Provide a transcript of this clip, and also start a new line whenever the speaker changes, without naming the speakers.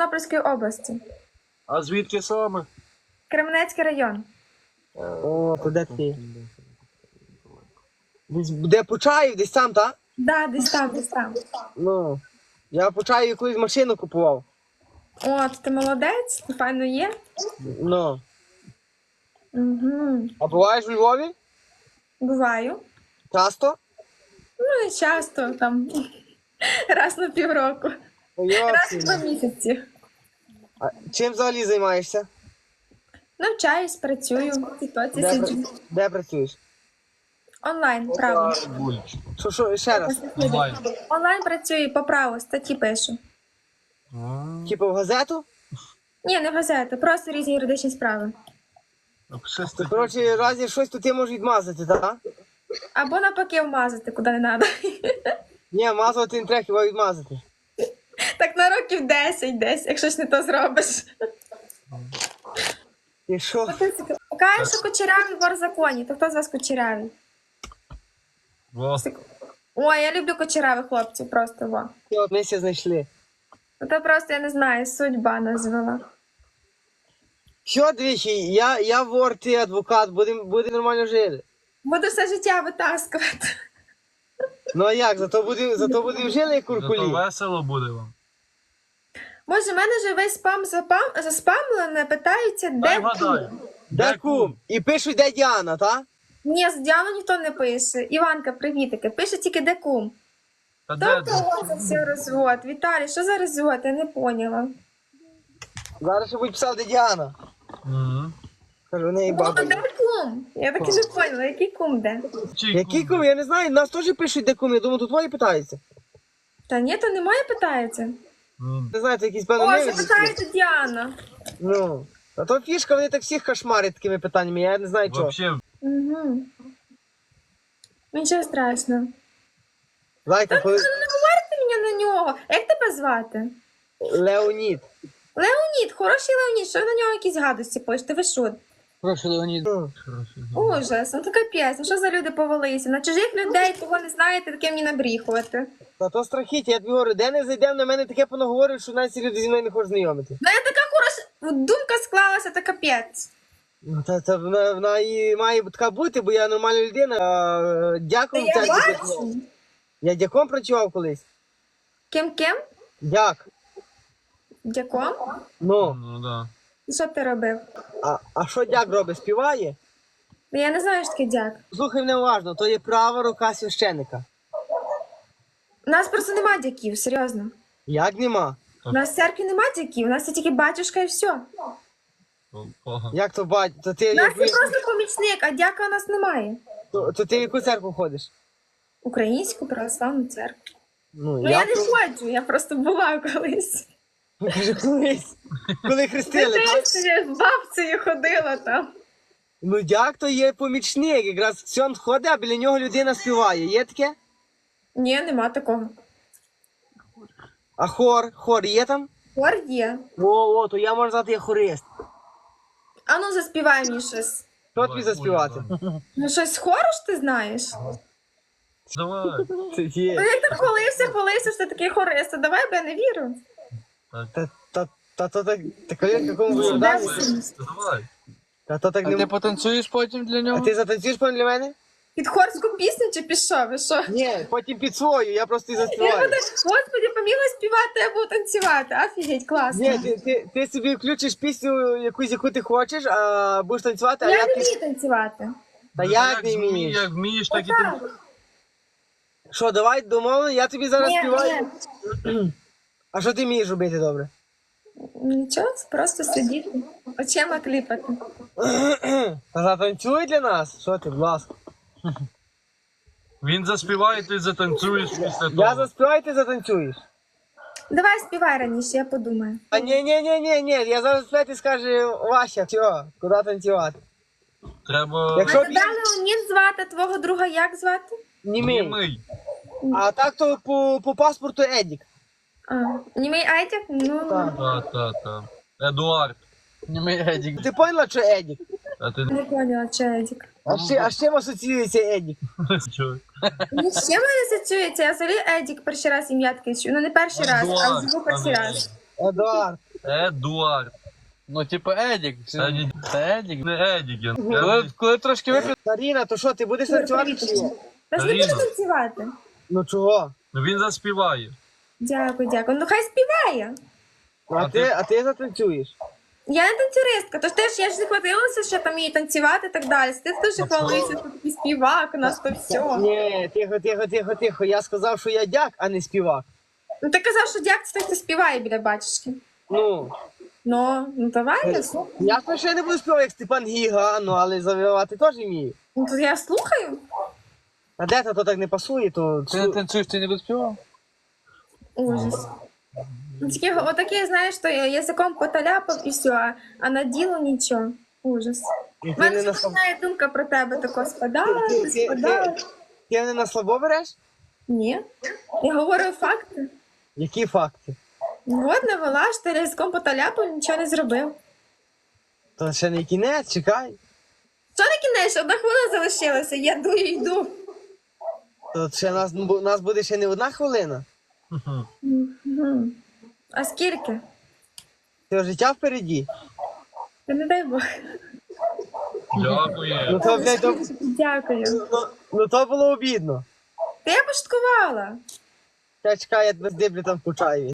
Тернопільської області.
А звідки саме?
Кременецький район.
О, то де ти? Де Почаїв, десь там, так?
Да, десь там, десь там.
Ну, я в Почаєві колись машину купував.
От, ти молодець, ти файно є.
Ну.
Угу.
А буваєш у Львові?
Буваю.
Часто?
Ну, і часто, там, раз на півроку. Раз в 2 місяці.
А чим взагалі займаєшся?
Навчаюсь, працюю, в тіктоці сиджу.
Де працюєш?
Онлайн, право.
Що, ще раз?
Онлайн.
Онлайн працюю, по праву, статті пишу.
Типу в газету?
Ні, не газети, просто різні юридичні справи.
То, коротше, разі щось, то ти можеш відмазати, так?
Або навпаки вмазати, куди не треба.
Ні, мазувати не треба, хіба відмазати.
Так на років 10 десь, якщо ж не то зробиш.
І що?
Кажуть, що кучерявий вор в законі. То хто з вас кучерявий?
Во.
Ой, я люблю кучерявих хлопців, просто во.
От ми ся знайшли.
Ну, то просто, я не знаю, судьба назвала.
Що, двічі, я вор, ти адвокат, буде нормально жити.
Буду все життя витаскувати.
Ну а як, зато будемо жили як
Зато
куркулі.
весело буде вам.
Боже, в мене вже весь спам заспамлене, питаються,
Дай
де
вгадай.
кум.
Де кум? І пишуть, де Діана, та?
Ні, з Діану ніхто не пише. Іванка, привітики. Пише тільки де кум.
Та де?
Тобто це все розвод. Віталій, що за розвод? Я не поняла.
Зараз ще будуть писати, де Діана.
Мгм.
Кажу, в неї
Ну,
баба.
де кум? Я так і не поняла, який кум де?
Чий
Який кум? Я не знаю, нас теж пишуть, де кум. Я думаю, тут твої питаються.
Та ні, то немає, питається.
Не знаю, це якісь певно
О,
невідомі.
це питається Діана.
Ну. А то фішка, вони так всіх кошмарять такими питаннями, я не знаю чого.
Вообще,
Угу. Нічого страшного.
Зайка, коли...
Ти мені на нього. Як тебе звати?
Леонід.
Леонід, хороший Леонід, що ви на нього якісь гадості пишете? Ви що?
Прошу, Леонід.
Ну.
Ужас, ну то капець, ну що за люди повелися? На чужих людей, кого не знаєте, таке мені набріхувати.
Та то страхіття, я тобі говорю, де не зайдемо, на мене таке понаговорюють, що навіть ці люди зі мною не хочуть знайомити.
Ну я така хороша, думка склалася, та капець.
Ну, та вона і має така бути, бо я нормальна людина.
Та
Дякую.
я бачу.
Я дяком працював колись.
Ким-ким?
Дяк.
Дяком?
Ну,
ну да.
І що ти робив?
а що дяк робить? Співає?
Ну, я не знаю, що таке дяк.
Слухай мене уважно, то є права рука священика.
У нас просто нема дяків, серйозно.
Як нема?
У нас в церкві нема дяків, у нас є тільки батюшка і все.
Ого.
Як то бать? То ти,
У нас є просто помічник, а дяка у нас немає.
то ти в яку церкву ходиш?
Українську православну церкву.
Ну,
Ну я не ходжу, я просто була колись.
Кажу, колись. Коли хрестили. так?
Я з бабцею ходила там.
Ну дяк то є помічник, якраз ксьонд ходить, а біля нього людина співає. Є таке?
Ні, нема такого.
А хор є там?
Хор є.
О, то я можу сказати, я хорист.
А ну заспівай мені щось.
Що тобі заспівати?
Ну щось з хору ж ти знаєш?
Давай.
Це є.
Ну як ти хвалився, що ти такий хорист, то давай, бо я не вірю.
Та то так, в якому ви
Де
вдані?
всі?
Давай.
Та то так
А ти
не...
потанцюєш потім для
А
нього?
ти затанцюєш пан для мене?
Під хорську пісню чи пішов? Ви що?
Ні, потім під свою, я просто і
Я
заспіваю.
буду, господи, поміла співати, я буду танцювати. Офігеть, класно.
Ні, ти собі включиш пісню якусь, яку ти хочеш, а будеш танцювати, а
Я
я
не
під...
вмію танцювати.
Та як не вмієш?
Як вмієш, так і ти.
Так.
Що, давай домовлено, я тобі зараз
Ні,
співаю.
ні.
А що ти вмієш робити добре?
Нічого, просто сидіти. Очима кліпати.
Та затанцюй для нас. Що ти, будь ласка.
Він заспіває, ти затанцюєш після
Я
того.
заспіваю, ти затанцюєш.
Давай співай раніше, я подумаю.
А ні, я зараз заспіваю, ти скажеш, Вася, все, куди танцювати?
Треба
Якщо
А тебе Леонід звати, твого друга як звати?
Німий.
німий.
А так то по паспорту Едік.
А, німий Айдяк? Ну,
Так.
Та. Едуард.
Німий Едік.
Ти поняла, що Едік?
А ти
не поняла, чи Едік.
А з чим асоціюється Едік?
чого?
Ні з чим не асоціюється, я взагалі Едік перший раз ім'я таке чую. Ну не перший раз, а живу перший раз.
Едуард.
Едуард.
Ну, типу, Едік.
Це не,
Це Едік.
не Едіген.
Коли трошки вип'є,
Каріна, то що, ти будеш танцювати чи ні?
Та ж не
Каріна.
буду танцювати.
Ну чого?
Ну він заспіває.
Дякую, дякую. Ну хай співає.
А ти затанцюєш?
Я не танцюристка, тож теж я ж не хватилася, що там її танцювати і так далі. Ти теж хвалився, що такий співак, у нас то все.
Ні, тихо. Я сказав, що я дяк, а не співак.
Ну ти казав, що дяк це той, хто співає біля бачечки.
Ну,
Ну давай я слухаю.
я ще не буду співати, як Степан Гіга, ну, але завивати теж вмію.
Ну то я слухаю.
А де то так не пасує, то...
ти не танцюєш, ти не доспівав?
Ужас. Ну, тільки отаке, знаєш, що язиком поталяпав і все, а на діло нічого. Ужас.
І
У
ти
мене
не на слабо...
починає думка про тебе тако спадати, спадати.
Ти не на слабо береш?
Ні. Я говорю факти.
Які факти?
Ну, от навела, що ти язиком поталяпав, нічого не зробив.
То ще не кінець, чекай.
Що на кінець? Одна хвилина залишилася, я йду.
То ще нас буде ще не одна хвилина.
Мгм. А скільки?
Ти життя впереді.
Та не дай Бог.
Дякую.
Ну то, блядь, то,
Дякую.
ну, то було обідно.
Та я пошуткувала.
Чекай, я тебе здиблю там в Кучаєві.